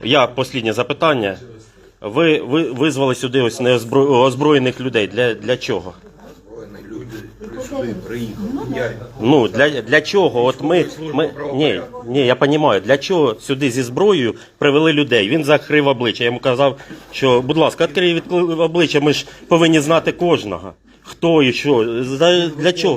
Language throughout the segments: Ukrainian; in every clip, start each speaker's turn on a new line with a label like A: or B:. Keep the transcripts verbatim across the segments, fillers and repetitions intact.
A: Я останнє запитання. Ви, ви визвали сюди ось неозброєних людей. Для, для чого?
B: Сюди приїхав. Я...
A: Ну, для, для чого? От ми, ми, ні, ні, я розумію, для чого сюди зі зброєю привели людей? Він закрив обличчя. Я йому казав, що, будь ласка, відкрий від обличчя, ми ж повинні знати кожного. Хто і що, для чого?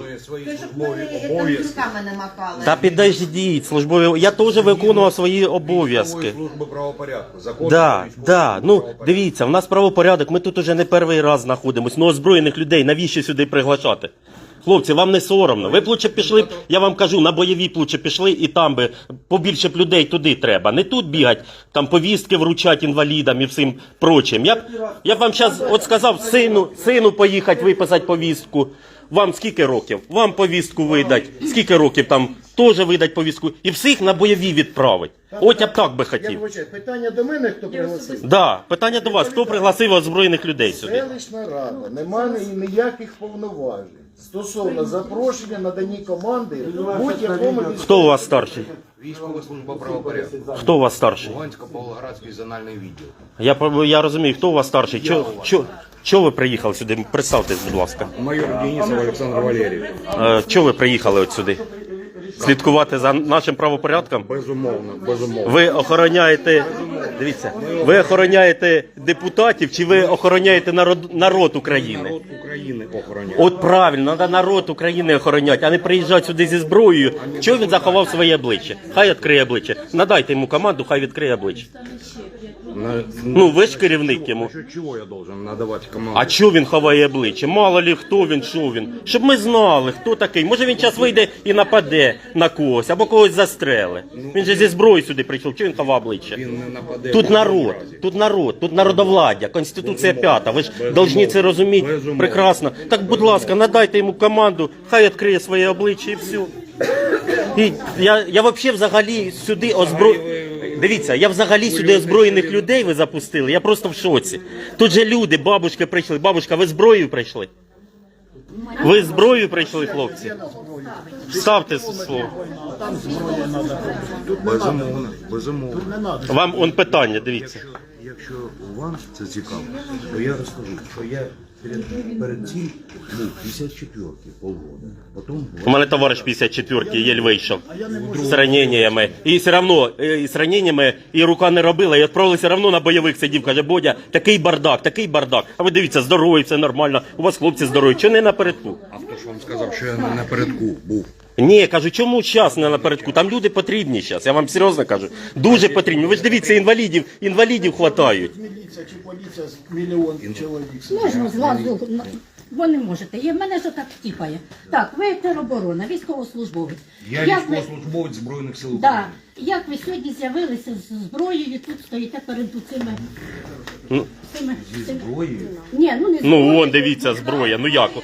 A: Та підождіть, службові, я теж виконував свої обов'язки.
B: Служби правопорядку. Закон.
A: Да, да, ну дивіться, в нас правопорядок, ми тут уже не перший раз знаходимося. Ну, озброєних людей, навіщо сюди приглашати? Хлопці, вам не соромно. Ви б лучше пішли, я вам кажу, на бойові б лучше пішли і там би побільше б людей туди треба. Не тут бігать, там повістки вручать інвалідам і всім прочим. Я б, я б вам зараз от сказав сину, сину поїхати виписати повістку. Вам скільки років? Вам повістку видать. Скільки років там теж видать повістку. І всіх на бойові відправить. От я б так би хотів.
C: Я вибачаю, питання до мене, хто пригласив?
A: Да, питання до вас. Хто пригласив озброєних людей сюди?
C: Селищна рада не має ніяких повноважень стосовно запрошення, надані команди будь-якому військовому.
A: Хто у вас старший?
B: Військова служба правопорядку.
A: Хто у вас старший?
B: Лугансько-Павлоградський зональний відділ.
A: Я, я розумію, хто у вас старший? Чо, чо, чо ви приїхали сюди? Представтесь, будь ласка.
B: Майор Денисов Олександр Валерійович.
A: Е, чого ви приїхали от сюди? Слідкувати за нашим правопорядком?
B: Безумовно, безумовно.
A: Ви охороняєте, дивіться, ви охороняєте депутатів чи ви охороняєте народ, народ України?
B: Народ України охороняє.
A: От правильно, треба народ України охороняти, а не приїжджати сюди зі зброєю. Чого він заховав своє обличчя? Хай відкриє обличчя. Надайте йому команду, хай відкриє обличчя.
B: На...
A: Ну, ви ж керівник йому.
B: Що, чого я должен надавати команду?
A: А чого він ховає обличчя? Мало ли хто він, що він. Щоб ми знали, хто такий. Може він зараз вийде і нападе на когось, або когось застреле. Він же зі зброєю сюди прийшов, чого він ховав обличчя?
B: Він не нападе.
A: Тут народ, тут народ, тут народовладдя, Конституція п'ята. Ви ж повинні це розуміти
B: Безумовно.
A: прекрасно. Так, будь ласка, надайте йому команду, хай відкриє своє обличчя і все. І я, я взагалі взагалі сюди озбро... Дивіться, я взагалі сюди озброєних людей ви запустили, я просто в шоці. Тут же люди, бабушки прийшли. Бабушка, ви зброєю прийшли? Ви зброєю прийшли, хлопці? Ставте слово.
B: Безумовно, безумовно.
A: Вам он питання, дивіться.
B: Якщо вам це цікаво, то я розкажу, що я перед, перед цим був п'ятдесят четвертий полгода. Потім
A: У мене товариш п'ятдесят четвертий єль вийшов з раненнями. І все одно, і з раненнями, і рука не робила, і відправили все одно на бойових сидів. Каже, Бодя, такий бардак, такий бардак. А ви дивіться, здоровий, все нормально, у вас хлопці здорові. Чого не напередку?
B: А хто ж вам сказав, що я не напередку був?
A: Ні, кажу, чому час не напередку? Там люди потрібні зараз, я вам серйозно кажу. Дуже потрібні. Ви ж дивіться, інвалідів, інвалідів хватають.
C: Міліція чи поліція з мільйон чоловік.
D: Можна зразу, ви не можете. І в мене що так тіпає. Так, ви тероборона, військовослужбовець.
B: Я
D: Як ви-
B: військовослужбовець Збройних сил
D: Да.
B: України.
D: Як ви сьогодні з'явилися з зброєю, тут стоїте перед цими... цими, цими...
B: Зброєю?
D: Ні, ну не
A: Ну,
D: зброєю.
A: вон, дивіться, зброя, ну як?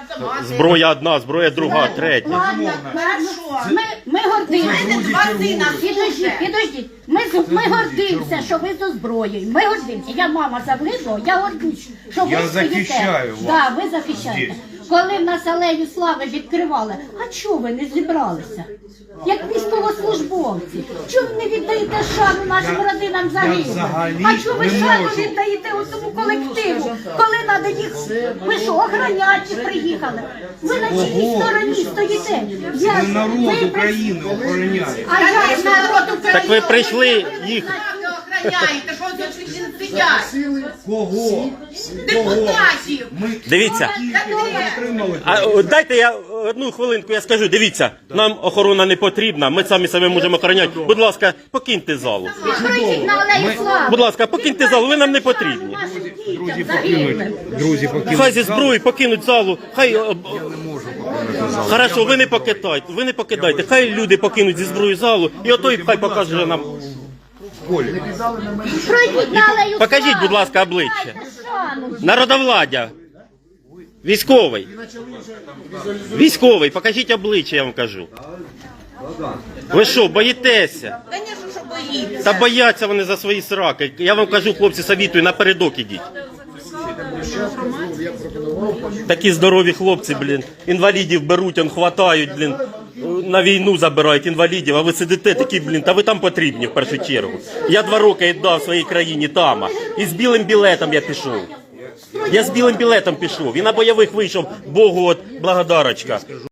A: Зброя одна, зброя друга, третя.
D: Ладно, хорошо. Ми, ми гордимося. Підождіть, підождіть. Ми, з- ми гордимося, що ви з озброєю. Ми гордимося. Я мама Завлидло, я гордусь, що ви
B: Я
D: стоїте.
B: захищаю вас.
D: Да, ви захищаєте. Коли в нас алею слави відкривали, а чого ви не зібралися? Як військовослужбовці. Чого ви не віддаєте шану нашим родинам загиблим?
B: взагалі
D: А чого ви
B: не
D: шану
B: можу.
D: віддаєте цьому колективу? Коли треба їх... Ви що, охороняти приїхали? Ви на чиїй стороні стоїте? Я...
B: Ми народ
D: ви-
B: України охороняє.
D: А я народ України.
A: Так ви прийшли їх.
E: Охраняєте, що ви тут сидять?
B: Кого?
E: Депутатів.
B: Ми
A: Дивіться.
B: отримали.
A: А о, дайте я одну хвилинку, я скажу. Дивіться, нам охорона не потрібна, ми самі себе можемо охороняти. Будь ласка, покиньте залу.
D: Пройдіть на алею слави.
A: Будь ласка, покиньте залу, ви нам не потрібні.
B: Друзі покинуть. Друзі покинуть.
A: Хай зі зброї покинуть залу, хай... о, о,
B: Не можу покинути зал.
A: Хорошо, ви не покидайте, ви не покидайте. Хай люди покинуть зі зброї залу, і отой хай покаже нам.
B: Полі.
D: Пройдіть на алею слави.
A: Покажіть, будь ласка, обличчя.
D: Дайте шану.
A: Народовладдя. Військовий. Військовий, покажіть обличчя, я вам кажу. Ви що, боїтеся?
E: Звісно, що боїться.
A: Та бояться вони за свої сраки. Я вам кажу, хлопці, совітую, напередок ідіть. Такі здорові хлопці, блін. Інвалідів беруть, он хватають, блін. на війну забирають інвалідів, а ви сидите такі, блін, та ви там потрібні в першу чергу. Я два роки віддав своїй країні там, і з білим білетом я пішов. Я з білим білетом пішов, і на бойових вийшов, Богу от благодарочка.